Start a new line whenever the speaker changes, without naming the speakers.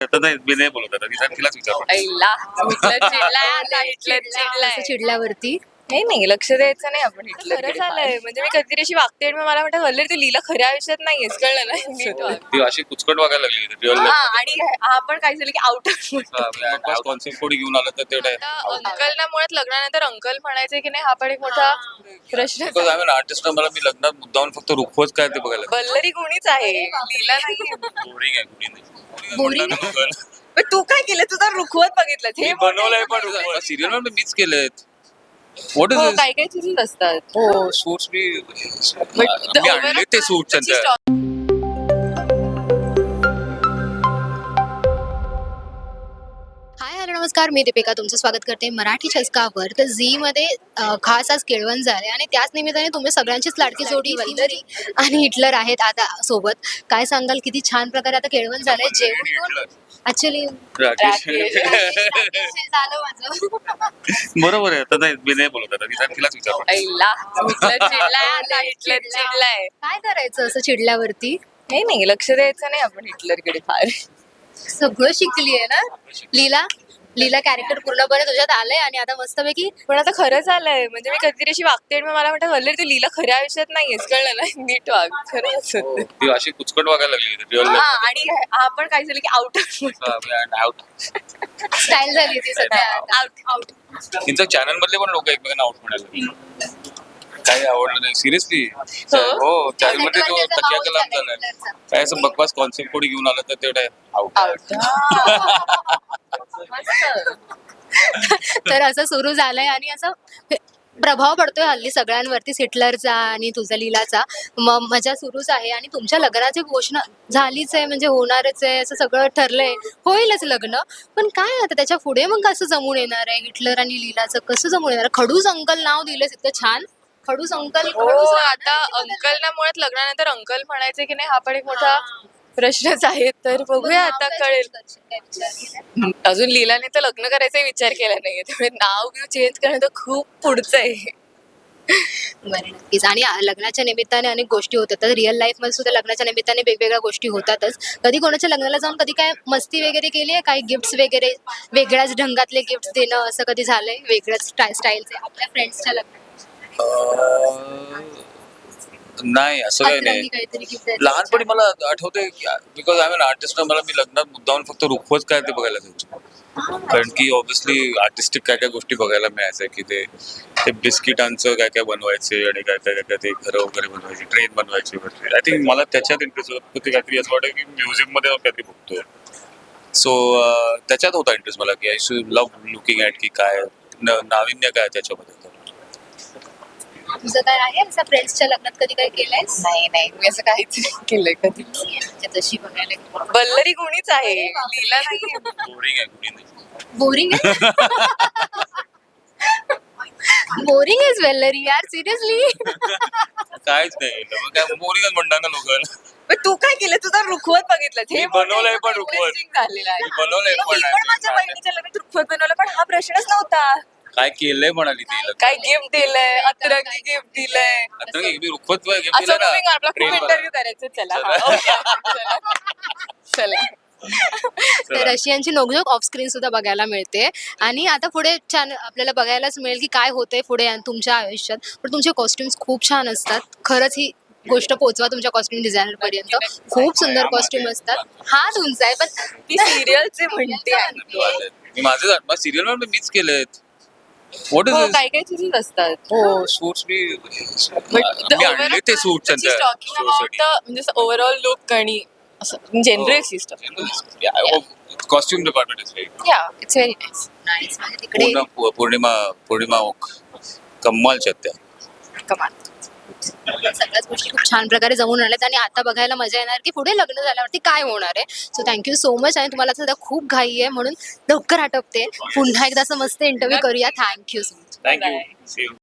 आता नाही मी नाही बोलत आता तिलाच विचार.
आईला हिटलर चिडलाय, हिटलर चिडलाय.
असं चिडल्यावरती
नाही नाही लक्ष द्यायचं नाही आपण हिटलर खरं झालंय म्हणजे मी कधीतरी अशी वागते आणि मग मला म्हणतात वल्लरी तू लीला खऱ्या आयुष्यात नाहीयेस कळलं ना नीट वाग.
ती अशी कुचकट वागायला लागली रिअल
हा आणि हा पण काय झालं की आउट
कॉन्सेप्ट कोणी घेऊन आलं तर तेवढं
अंकल ना मुळात लग्नानंतर अंकल म्हणायचे की नाही हा पण एक मोठा प्रश्न
बिकॉज आय एम आर्टिस्ट मला मी लग्नात मुद्दाहून फक्त रुखवत काय ते बघायला
वल्लरी गुणीच आहे लीला नाही.
बोरिंग आहे कुणी नाही
Boring?
पण तू काय केलं तुझा रुखवत बघितलं हे
बनवलंय पण सिरियल मध्ये मीच केलेत. व्हॉट
हो,
इज
काय काय चीजेस असतात
हो सूट्स मी आणले ते सूट सध्या.
हाय हॅलो नमस्कार, मी दीपिका तुमचं स्वागत करते मराठी चस्कावर. तर झीमध्ये खास आज केळवण झाले आणि त्याच निमित्ताने तुम्ही सगळ्यांचीच लाडकी जोडी वल्लरी आणि हिटलर आहेत आता सोबत. काय सांगाल किती छान प्रकारे आता केळवण झालंय जेवण ऍक्च्युली झालं माझं.
बरोबर आहे आता नाही मी नाही बोलत आता तिलाच विचार.
आईला हिटलर चिडलाय, हिटलर चिडलाय.
काय करायचं असं चिडल्यावरती?
नाही नाही लक्ष द्यायचं नाही आपण हिटलरकडे फार.
सगळं शिकली आहे ना लीला. लीला कॅरेक्टर पूर्णपणे तुझ्यात आलंय आणि आता मस्तपैकी
पण आता खरं झालंय म्हणजे मी कधीतरी अशी वागते आणि मग मला म्हणतात वल्लरी तू लीला खऱ्या आयुष्यात नाहीयेस कळलं ना नीट वाग खरंच.
ती अशी कुचकट वागायला लागली रिअल
हा आणि हा पण काय झालं की आउट
आउट.
स्टाईल झाली ती सध्या
आउट आउट.
तिचं चॅनल मधले पण लोक एकमेकांना आउट म्हणाले. काही आवडलं नाही सिरियसली. हो चॅनल मध्ये तो तकिया कलाम झालाय काय असं बकवास कॉन्सेप्ट कोणी घेऊन आलं तर तेवढं आउट.
आउट
तर असं सुरू झालंय आणि असं प्रभाव पडतोय हल्ली सगळ्यांवरती हिटलरचा आणि तुझा लीलाचा. मजा सुरूच आहे आणि तुमच्या लग्नाची घोषणा झालीच आहे म्हणजे होणारच आहे असं सगळं ठरलंय. होईलच लग्न. पण काय आता त्याच्या पुढे मग कसं जमून येणार आहे हिटलर आणि लीलाचं कसं जमून येणार? खडूस अंकल नाव दिलंस इतकं छान. खडूस अंकल
हो आता अंकल ना मुळात लग्नानंतर अंकल म्हणायचे की नाही हा पण एक मोठा प्रश्नच आहे. तर बघूया आता कळेल. अजून लीलाने तर लग्न करायचा विचार केला नाहीये त्यामुळे नाव चेंज करणं तर खूप पुढचं आहे.
बरं नक्कीच. आणि लग्नाच्या निमित्ताने अनेक गोष्टी होतात तर रिअल लाईफ मध्ये सुद्धा लग्नाच्या निमित्ताने वेगवेगळ्या गोष्टी होतातच. कधी कोणाच्या लग्नाला जाऊन कधी काय मस्ती वगैरे केली आहे? काही गिफ्ट्स वगैरे वेगळ्याच ढंगातले गिफ्ट देणं असं कधी झालंय वेगळ्याच स्टाईलचे आपल्या फ्रेंड्सच्या लग्नात?
नाही असं काही नाही.
काहीतरी गिफ्ट
लहानपणी मला आठवतंय बिकॉज आय एम आर्टिस्ट मला मी लग्नात मुद्दाहून फक्त रुखवत काय ते बघायला जायचो. कारण की ऑब्व्हियसली आर्टिस्टिक काय काय गोष्टी बघायला मिळायच्या की ते बिस्किटांचं काय काय बनवायचे आणि काय काय काय ते घरं वगैरे बनवायचे ट्रेन बनवायचे वगैरे. आय थिंक मला त्याच्यात इंटरेस्ट होता. ते काहीतरी असं वाटतं की म्युझिक मध्ये काहीतरी बघतोय. सो त्याच्यात होता इंटरेस्ट मला की I should love looking at की काय नाविन्य काय त्याच्यामध्ये.
तुझं काय आहे असं फ्रेंड्सच्या लग्नात कधी काय केलंयस?
नाही नाही मी असं काहीच केलंय कधी.
म्हणजे तशी बघायला गेलं.
वल्लरी गुणीच आहे लीला नाही.
बोरिंग आहे कुणी नाही.
बोरिंग आहे. बोरिंग इज वेलरी यार सिरियसली.
काहीच नाही काय बोरिंगच म्हणणार ना लोक.
पण तू काय केलं तुझा रुखवत बघितलं
मी बनवलंय पण रुखवत.
झालेला आहे.
मी बनवलंय
मी पण माझ्या बहिणीच्या लग्नात रुखवत बनवलं पण हा प्रश्नच नव्हता.
काय केलंय म्हणाली ती.
काय गिफ्ट दिलंय अतरंगी गिफ्ट दिलंय
आता मी रुखवत गिफ्ट
असं
दिलं
moving on. आपला खूप
ना
इंटरव्ह्यू करायचं चला हा, okay. चला
तर रशियनची नोकझोक ऑफ स्क्रीन सुद्धा बघायला मिळते आणि आता पुढे छान आपल्याला बघायलाच मिळेल की काय होतंय पुढे तुमच्या आयुष्यात. पण तुमचे कॉस्ट्युम्स खूप छान असतात. खरंच ही गोष्ट पोहोचवा तुमच्या कॉस्ट्युम डिझायनर पर्यंत. खूप सुंदर कॉस्ट्युम असतात. हा तुमचा आहे पण
ती सिरियलचे म्हणते आहे.
मी माझं सिरियल मध्ये मीच केलेत. व्हॉट
हो
इज
काय काय चीजेस असतात.
हो सूट्स मी आणले ते सूट सध्या
टॉकिंग अबाउट द म्हणजे ओव्हरऑल लुक आणि असं general system.
Costume department is
yeah it's very nice.
Nice. म्हणजे तिकडे
पौर्णिमा कम्मालच्या त्या
कमाल.
सगळ्याच गोष्टी खूप छान प्रकारे जमून आल्यात आणि आता बघायला मजा येणार की पुढे लग्न झाल्यावरती काय होणार आहे. So thank you so much. आणि तुम्हाला सध्या खूप घाई आहे म्हणून लवकर आटपते. पुन्हा एकदा असं मस्त इंटरव्ह्यू करूया. Thank you so much.
थँक्यू.